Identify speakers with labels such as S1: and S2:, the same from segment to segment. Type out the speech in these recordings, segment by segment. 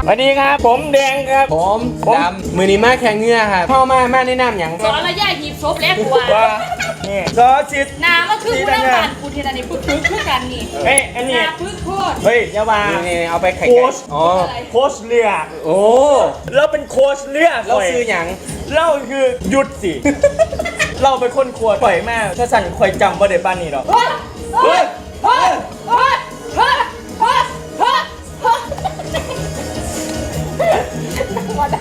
S1: สวัสดีครับผมแดงครับ
S2: ผมดำมือนี้มาแข่งเงือครับพ่อมาแนะนำอย่าง
S3: สอนระยะหีบศพแล้วกูว่า
S1: นี่ซอสิทธิ์
S3: นาก็คือกูนั่งบ้านกูทีละนี่ปึ๊กคือกันนี่
S1: เฮ้ยอันนี้
S3: ปึ๊กโคตร
S1: เฮ้ยยาวา
S2: นี่เอาไปไข่
S1: โค้ช
S2: โ
S1: ค้ชเรือ
S2: โอ้
S1: เราเป็นโค้ชเรือ
S2: เราซื้ออย่าง
S1: เราคือหยุดสิเราเป็นคนขวดปล่อยมากถ้าสั่นคอยจำว่าเด็ดบ้านนี้หรอก
S3: เฮ้ยเฮ้ยเฮ้ยเฮ้ยเฮ้ยเฮ้ยเฮ้ยมาได้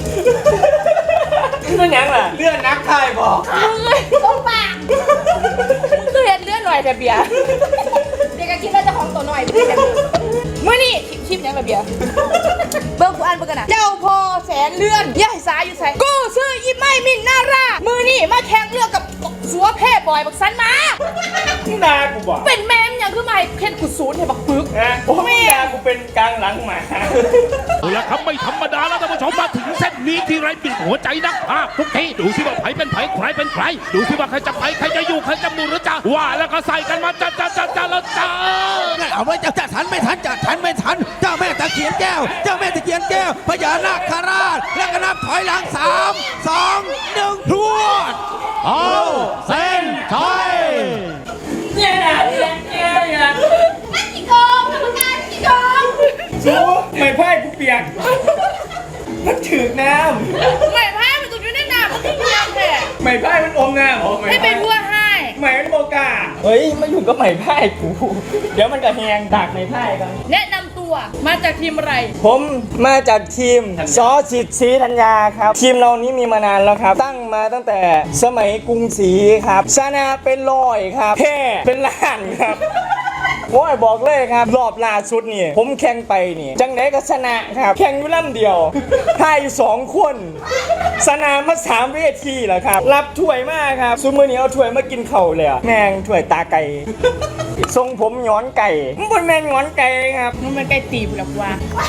S1: มันยังล่ะ
S2: เลื่อนนักไทยบอก
S3: มึงเลยต้องปากมึงเคยเห็นเลื่อนหน่อยแต่เบียร์เด็กก็คิดว่าจะของตัวหน่อยเมื่อนี่คลิปยังแบบเบียร์เบิ้งกูอ่านเบิ้งกันนะเจ้าพ่อแสนเลื่อนย่ายสายอยู่ใส่กูซื้ออีไม่มินน่ารักมือนี่มาแข่งเรือกับสัวเพ่บอยบักสันมา
S1: ด่ากูบอก
S3: เป็นแม่มยังคือไม่เพ่นกูศูนย์ให้บักปึก
S1: โอ้ยด่ากูเป็นกลางหลังหมา
S4: เอาละครับไม่ธรรมดาแล้วท่านผู้ชมมาถึงเส้นนี้ที่ไรปิดหัวใจนักภาคทุกทีดูสิว่าใครเป็นใครใครเป็นใครดูสิว่าใครจะไปใครจะอยู่ใครจะมูหรือจะว่าแล้วก็ใส่กันมาจ้าแล้วจ้า
S5: เอาไว้จะทันไม่ทันจะทันไม่ทันเจ้าแม่ตะเคียนแก้วเจ้าแม่ตะเคียนแก้วพญานาคราชแล้วก็นับถอยหลัง3 2 1พรวดเอาเส้นชัย
S1: เนี่ยนะเนี่ย
S3: ไม่กี่กองกรรมการกี่กอง
S1: สู้ไม่พ่ายกูเปียกมันถือน้
S3: ำไม่พ่ายมันตุ่นอยู่ในน้ำมันที่น้ำแท้
S1: ไม่พ่ายมันอมน้ำ
S3: ให้เป็นวัวให้
S1: ไม่มันโบกาเฮ้ยมาอยู่กับไม่พ่ายกูเดี๋ยวมันก็แหงดักไม่พ่ายกัน
S3: แนะนำตัวมาจากทีมอะไร
S1: ผมมาจากทีมซอสิทธิ์ศรีธัญญาครับทีมเรานี้มีมานานแล้วครับตั้งมาตั้งแต่สมัยกรุงศรีครับชนะเป็นร้อยครับแพ้เป็นล้านครับโอ้ยบอกเลยครับรอบล่าสุดนี่ผมแข่งไปนี่จังไหนก็ชนะครับแข่งอยู่ลำเดียวพ่ายอยู่2 คนชนะมา3 เวทีแล้วครับรับถ้วยมากครับซุมื้อนี้เอาถ้วยมากินเข่าเลยแม่งถ้วยตาไก่ทรงผมย้อนไก่มันเป็นแม่งย้อนไก่ครับ
S3: มันเป็นไก่ตีบหรอกว่า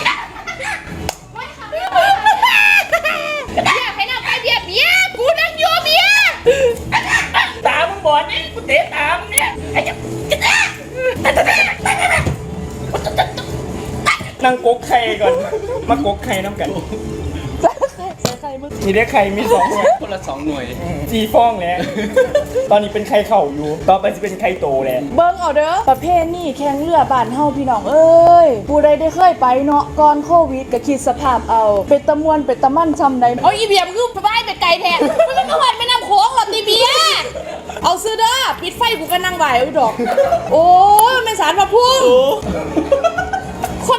S3: อยากให้น้ำไปเบียร์กูนั่งอยู่เบียร์
S1: ตามึงบอดนี่กูเตะตามึงเนี่ยไอ้เจ้านั่งกกไข่ก่อนมากกไข่น้ำกันมีได้ไข่มี2 หน่วย
S2: คนละ2 หน่วย
S1: 4 ฟองแล้วตอนนี้เป็นไข่เข่าอยู่ต่อไปจะเป็นไข่โตแล้ว
S3: เบิ้งเอาเด้อประเภทนี่แข่งเรือบ้านเฮาพี่น้องเอ้ยผู้ใดได้เคยไปเนาะก่อนโควิดก็คิดสภาพเอาเป็นตะมวนเป็นตะมั่นซ้ำใดเอาอีเบียมคือไปไปไกลแท้มันเป็นวันไม่นำโค้งหรอกตีเบียเอาซื้อเด้อปิดไฟกูก็นั่งไหวเอาดอกโอ้ยมันสารพระพุ่งคน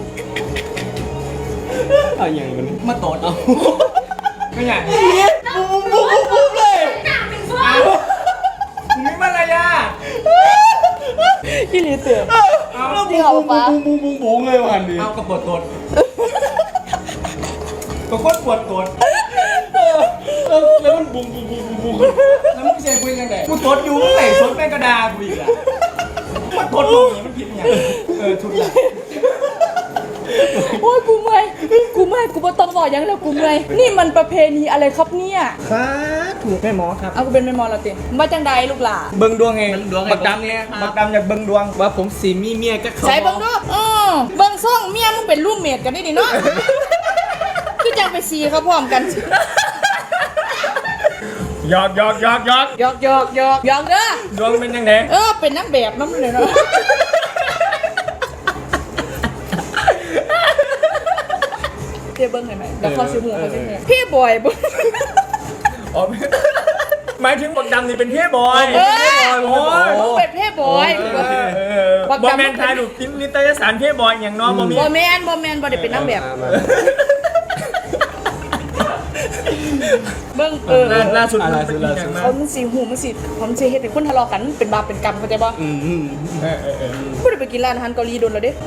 S2: เอาอย่างมันมาตดเอา
S1: ไม่อยากปุ๊บเลยไม่มารยาท
S3: พี่ลีเตือน
S1: เอาจริงเหรอป้าบุ้งเลยวันนี้
S2: เอากระปวดตด
S1: ก็โคตรปวดตดแล้วมันบุ้งแล้วมึงเสียคุยกันไหนกูตดอยู่มึงไหนตดแม่กระดากูอีกอ่ะมันตดมึงอย่างมันผิดอย่างทุนละ
S3: โอ้ยกูเมื่อยกูบ่ต้องบอกยังแล้วกูเมื่อยนี่มันประเพณีอะไรครับเนี่ย
S1: ครับถูกแม่หมอครับ
S3: เอากูเป็นแม่หมอแล้วติมาจังใดลูกหล่า
S1: เบิ่งดวงไงบักดำเนี่ยบักดำอยากเบิ่งดวง
S2: ว่าผมสีมีเมียก็เขา
S3: ใส่เบิ่งดูเบิ่งซ่องเมียมึงเป็นรูมเมทกันนี่ดิเนาะคือจังไปซีเขาพร้อมกัน
S1: หยอกเด้อดวงเป็นยังไง
S3: เป็นนักแบบน้ำเลยเนาะเบิ้งเห็นไหมแล้วเขาซื้อหมูเขาซื้อพี่บอยบึ้ง
S1: หมายถึงบักดำนี่เป็นพี่บอย
S3: เป็นพี่บอย
S1: บักดำแมนทายดูกินนิตยสารพี่บอยอย่างน้อง
S3: บอแมนบอได้เป็นนักแบบเบิ้ง
S1: ล่าสุด
S3: เขามันสีหูมันสีความเชเฮ็ดเป็นคนทะเลาะกันเป็นบาปเป็นกรรมเข้าใจป่ะไม่ได้ไปกินร้านอาหารเกาหลีโดนแล้วเด้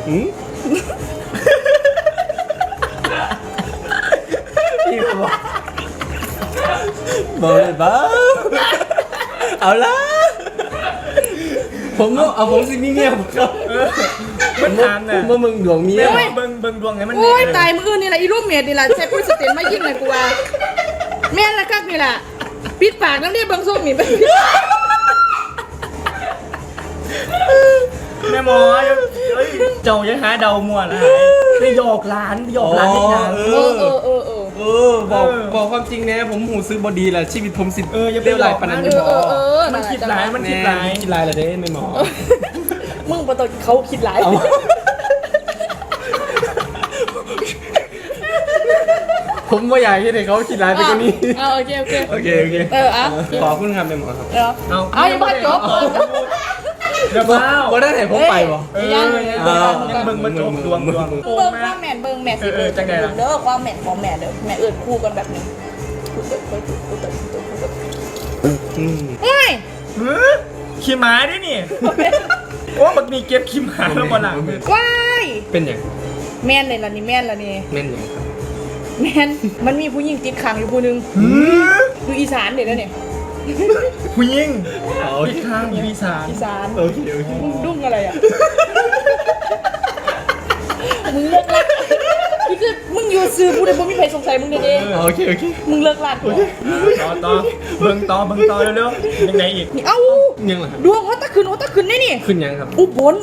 S2: บอกเลยบ้าเอาละผมเอาผมสิมีเมียผมครับ
S1: มันถามน่ะ
S2: มึงดวงเมีย
S1: เบิ่งดวงไงมัน
S3: โอ้ยตายมืออื่นนี่แหละอีรูปเมียนี่แหละใช้พูดสเตนมายิ่งเลยกูว่าแม่ละกักนี่แหละปิดปากน้ำเนี่ยบางส้มนี่
S1: แม่หมอเจ้ายังหาเดามัวนะไปหยอกร้านหยอกร้านที่งาน
S2: บอกความจริงนะผมหูซื้อบอดีแหละชีวิตผมสิ
S1: อย่าไป
S2: เรียว
S1: ห
S2: ไห
S1: ล
S2: ล
S1: อก
S2: ปานนั้น
S1: มันคิดร้ายมันคิดร้าย
S2: คิดลายเหรอเด้ไม่หมอ
S3: มึงประตูเขาคิดหลาย
S2: ผมไม่อยากให้เขาคิดลายไปกว่านี้
S3: เอาโอเค
S2: โอเคโอเค
S3: อ่ะ
S2: ขอบคุณครับไม่หมอครับ
S3: เอาอย่ามาจบ
S1: เดี๋ยวเปล่า
S2: บ่ได้ไหนผมไปบ่
S3: ยัง
S1: เบิ่งมาจบดวง
S3: เบิ่งความแม่นเบิ่งแม่สิเบิ่งเด้อความแม่นของแม่เด้อแม่เอิ้นคู่กันแบบนี้เฮ้ย
S1: ขี้หมาดินี่โอ้บักมีเก็บขี้หมาแล้วบ่หลัง
S3: ว้าย
S2: เป็นอย่าง
S3: แม่นเลยล่ะนี่แม่นล่ะนี่
S2: แม่นอย่างครับ
S3: แม่นมันมีผู้หญิงติดขังอยู่ผู้นึงอยู่อีสานเด้อเนี่ย
S1: ผู้หญิงพี่ข้างอยู่อีสาน
S3: อีสาน
S2: โอเคโอเค
S3: มึงดุ้งอะไรอ่ะมึงเลิกลักนี่คือมึงอยู่ซื้อผู้ใดบ่มีใครสงสัยมึงเด้
S2: โอเคโอเค
S3: มึงเลิกลัก
S1: ต่อเบิ่งต่อเร็วๆยังไงอีก
S3: นี่เอ้า
S2: ยังเหรอครับ
S3: ดวงเขาตะขึ้นได้นี่
S2: ขึ้นยังครับ
S3: อุบล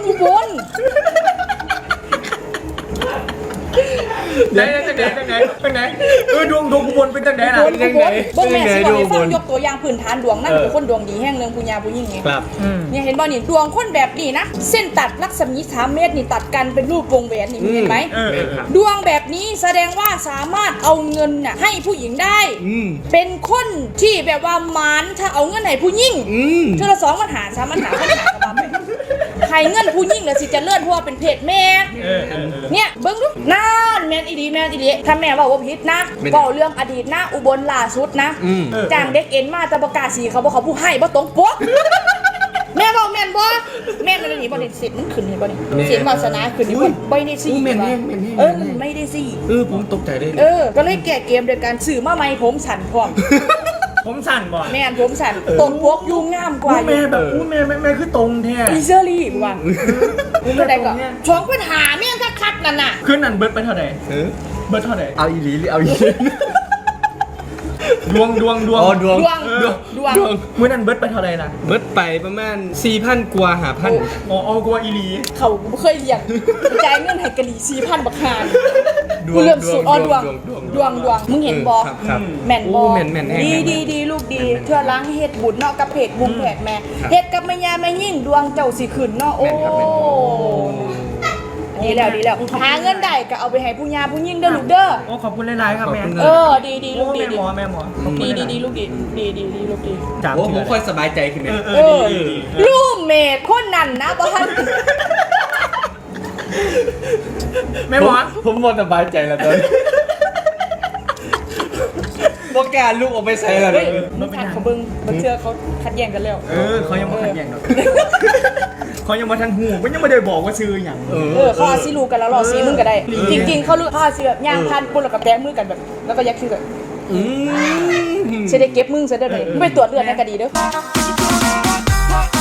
S1: ได้จังไหนดวงกูบนเป็นจังไหนล่ะ
S3: บ่แม่สิบอกให้ฟังยกตัวอย่างพื้นฐานดวงนั่นเป็นคนดวงดีแห่งหนึงผู้หญิงผู้หญิงไง
S2: ครับ
S3: เนี่ยเห็นบ่นี่ดวงคนแบบนี้นะเส้นตัดลักษมี3เมตรนี่ตัดกันเป็นรูปวงแหวนนี่มึงเห็นไหม
S2: แม่นครับ
S3: ดวงแบบนี้แสดงว่าสามารถเอาเงินน่ะให้ผู้หญิงได้ เป็นคนที่แบบว่าหมานถ้าเอาเงินให้ผู้หญิงเท่าละ2 ปัญหา3 ปัญหากับบ้าไปใครเงินผู้หญิงแล้วสิจะเลื่อนเพราะว่าเป็นเพศแม่เนี่ยเบิ่งดูนั่นแม่นอีดีถ้าแม่ว่าผิดนะเว้าเรื่องอดีตนะอุบลล่าสุดนะจ้างเด็กเอ็นมาแต่ประกาศสีเขาบอกเขาผู้ให้บ่ตรงปกแม่บอกแม่นบ่แม่นอะไรนี่บ่ได้สิทธิ์มันขึ้นเห็นบ่นี่สิทธิ์วาสนาขึ้นนี่บ่ได้สิไม่ได้สิ
S2: ผมตกใจได้
S3: ก็เลยแก้เกมโดยการซื้อมาใหม่ผมสั่นพร้อม
S1: ผมสั่นบ่
S3: แม่นผมสั่นตรงปกยุ่งงามกว่า
S1: แม่แบบแม่คือตรงแท้
S3: อีเซอรี่ว่ะเท่าใดก็ช่องปัญหาแม่งคักๆนั่นน่ะ
S1: ขึ้นนั่นเบิร์ดไปเท่าไหร่เบิร์ดเท่าไหร่
S2: เอาอีหลีหรือเอาอี
S1: ดวง
S2: อ๋อดวง
S3: ดวง
S1: มื้อนั้นเบิร์ดไปเท่าไหร่นะ
S2: เบิดไปประมาณ 4,000 กว่า5,000
S1: อ๋อกลัวอีหลี
S3: เขาเคยเรียกจ่ายเงินให้กะหรี่ 4,000 บักหาน
S2: ดวง
S3: เริ่มสุดอ๋อดวง
S2: ดวง
S3: มึงเห็นบ่
S2: ครับ
S3: แม่นบ่
S2: แม่นแน่
S3: ดีลูกดีเทื่อล้างเฮ็ดบุญเนาะกับเพจบุญแผกแม่เฮ็ดกับแม่ย่าแม่ยิ่งดวงเจ้าสิขึ้นเนาะโอ้ดีแล้วหาเงินได้ก็เอาไปให้ผู้ย่าผู้ยิ่งเด้อลูกเด้อ
S1: โอ้ขอบคุณหลายๆครับแม่
S3: ดีลูกดี
S1: แม่หมอ
S3: ดีลูกดีลูกดี
S1: จาม
S2: โอ้ผ
S1: เถื่
S2: มค่อยสบายใจขึ้นเนี่ย
S3: ลูกเมดคนนั้นนะบ่ทัน
S1: แม่หมอ
S2: ผมหมดสบายใจแล้วตอนนี้บอกการลูกออกไปใส่แล้วเนี่ย
S3: มึงทันเขาเบิ่งบ่เชื่อเขาขัดแย้งกันแล้ว
S1: เขายังมาขัดแย้งหรอกเขายังมาทันหูมันยังไม่ได้บอกว่าชื่ออย่าง
S3: เขาอาซิรู้กันแล้วรอซีมึงก็ได้ จริงๆเขารู้เขาอาซิแบบย่างพันปุ่นแล้วก็แตะมือกันแบบแล้วก็ยักคิ้วแบบจะได้เก็บมึงซะได้ไหมไปตรวจเลือดในคดีเด้อ